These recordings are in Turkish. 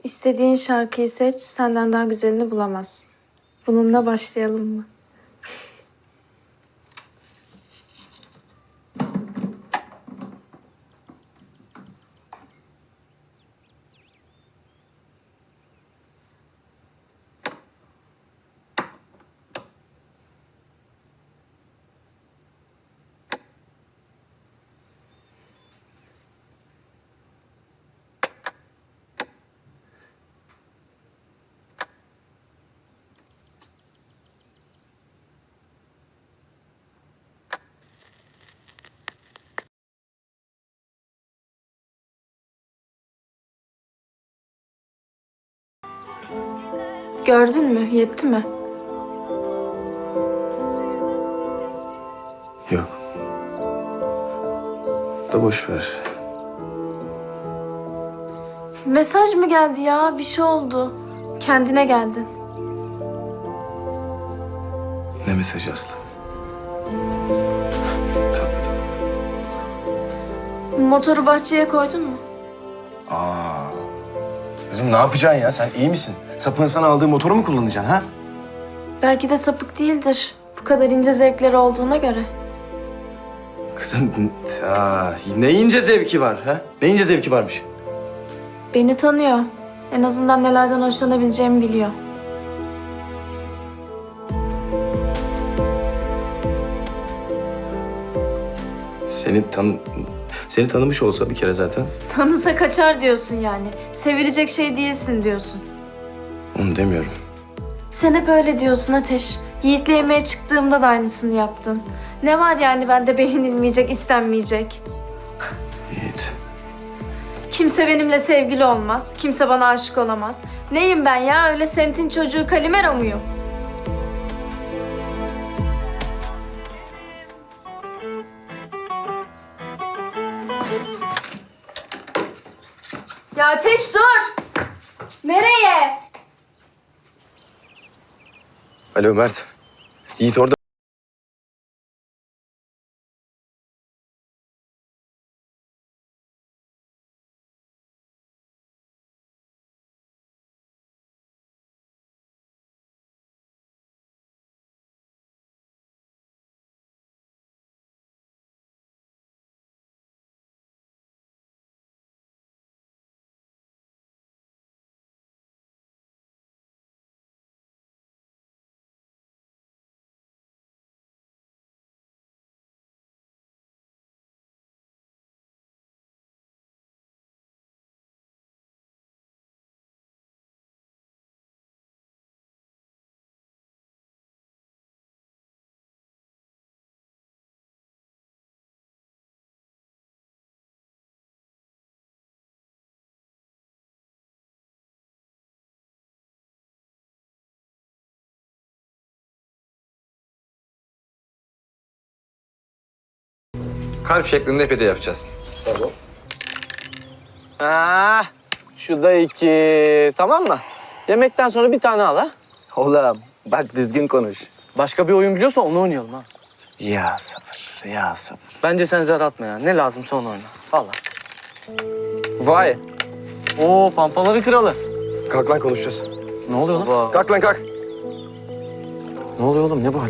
İstediğin şarkıyı seç, senden daha güzelini bulamazsın. Bununla başlayalım mı? Gördün mü? Yetti mi? Yok. Da boş ver. Mesaj mı geldi ya? Bir şey oldu. Kendine geldin. Ne mesajı Aslı? Tabii. Motoru bahçeye koydun mu? Aa. Kızım ne yapacaksın ya? Sen iyi misin? Sapığın sana aldığı motoru mu kullanacaksın ha? Belki de sapık değildir. Bu kadar ince zevkleri olduğuna göre. Kızım ne ince zevki var ha? Ne ince zevki varmış? Beni tanıyor. En azından nelerden hoşlanabileceğimi biliyor. Seni tanımış olsa bir kere zaten. Tanısa kaçar diyorsun yani. Sevilecek şey değilsin diyorsun. Onu demiyorum. Sen hep öyle diyorsun Ateş. Yiğit'le yemeğe çıktığımda da aynısını yaptın. Ne var yani bende beğenilmeyecek, istenmeyecek? Yiğit. Kimse benimle sevgili olmaz. Kimse bana aşık olamaz. Neyim ben ya? Öyle semtin çocuğu Kalimero muyum? Ya Ateş dur! Nereye? Alo Mert. Yiğit orada. Kalp şeklinde pide yapacağız. Tamam. Şu da 2. Tamam mı? Yemekten sonra bir tane al ha. Oğlum bak düzgün konuş. Başka bir oyun biliyorsa onu oynayalım ha. Ya sabır, ya sabır. Bence sen zar atma ya. Ne lazımsa onu oyna. Vallahi. Vay. Oo, pampaları kralı. Kalk lan konuşacağız. Ne oluyor lan? Kalk lan kalk. Ne oluyor oğlum? Ne bu hal?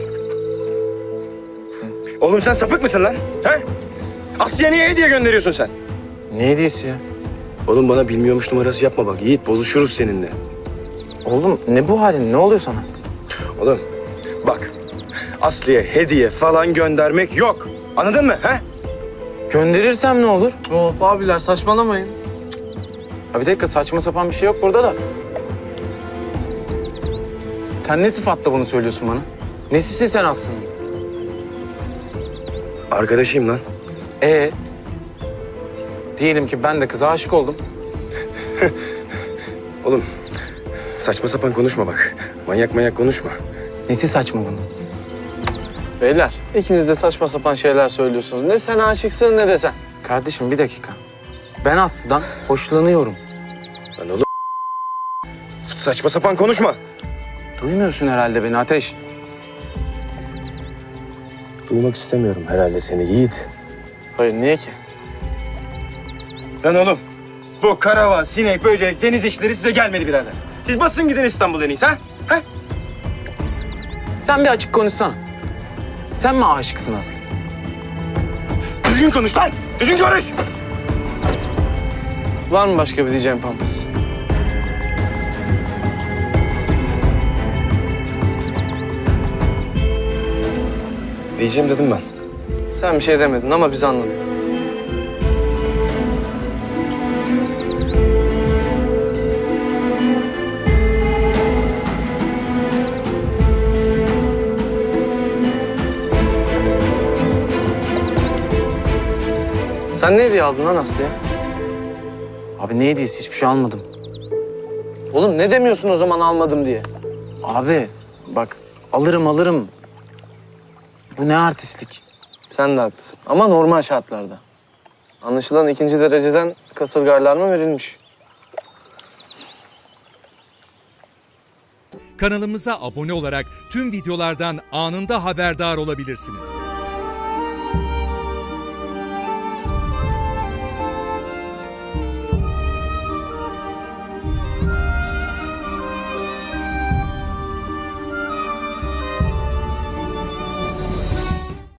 Oğlum sen sapık mısın lan? He? Asya'ya niye hediye gönderiyorsun sen? Ne hediyesi ya? Oğlum bana bilmiyormuş numarası yapma bak. Yiğit bozuşuruz seninle. Oğlum ne bu halin? Ne oluyor sana? Oğlum bak. Aslı'ya hediye falan göndermek yok. Anladın mı? He? Gönderirsem ne olur? Hop abiler saçmalamayın. Ha bir dakika, saçma sapan bir şey yok burada da. Sen ne sıfatla bunu söylüyorsun bana? Nesisin sen aslında? Arkadaşıyım lan. Diyelim ki ben de kıza aşık oldum. Oğlum saçma sapan konuşma bak. Manyak konuşma. Nesi saçma bunun? Beyler, ikiniz de saçma sapan şeyler söylüyorsunuz. Ne sen aşıksın ne de sen. Kardeşim bir dakika. Ben Aslı'dan hoşlanıyorum. Lan oğlum saçma sapan konuşma. Duymuyorsun herhalde beni Ateş. Duymak istemiyorum herhalde seni Yiğit. Hayır, niye ki? Lan oğlum Bu karavan, sinek, böcek, deniz işleri size gelmedi birader. Siz basın gidin İstanbul'a en iyisi ha? Ha? Sen bir açık konuşsana. Sen mi aşıksın Aslı? Düzgün konuş lan! Düzgün konuş! Var mı başka bir diyeceğim Pampas? Diyeceğim dedim ben. Sen bir şey demedin ama biz anladık. Sen ne hediye aldın lan Aslı'ya? Abi ne hediyesi? Hiçbir şey almadım. Oğlum ne demiyorsun o zaman almadım diye? Abi bak alırım. Bu ne artistlik? Sen de haklısın ama normal şartlarda. Anlaşılan 2. dereceden kasırgarlar verilmiş. Kanalımıza abone olarak tüm videolardan anında haberdar olabilirsiniz.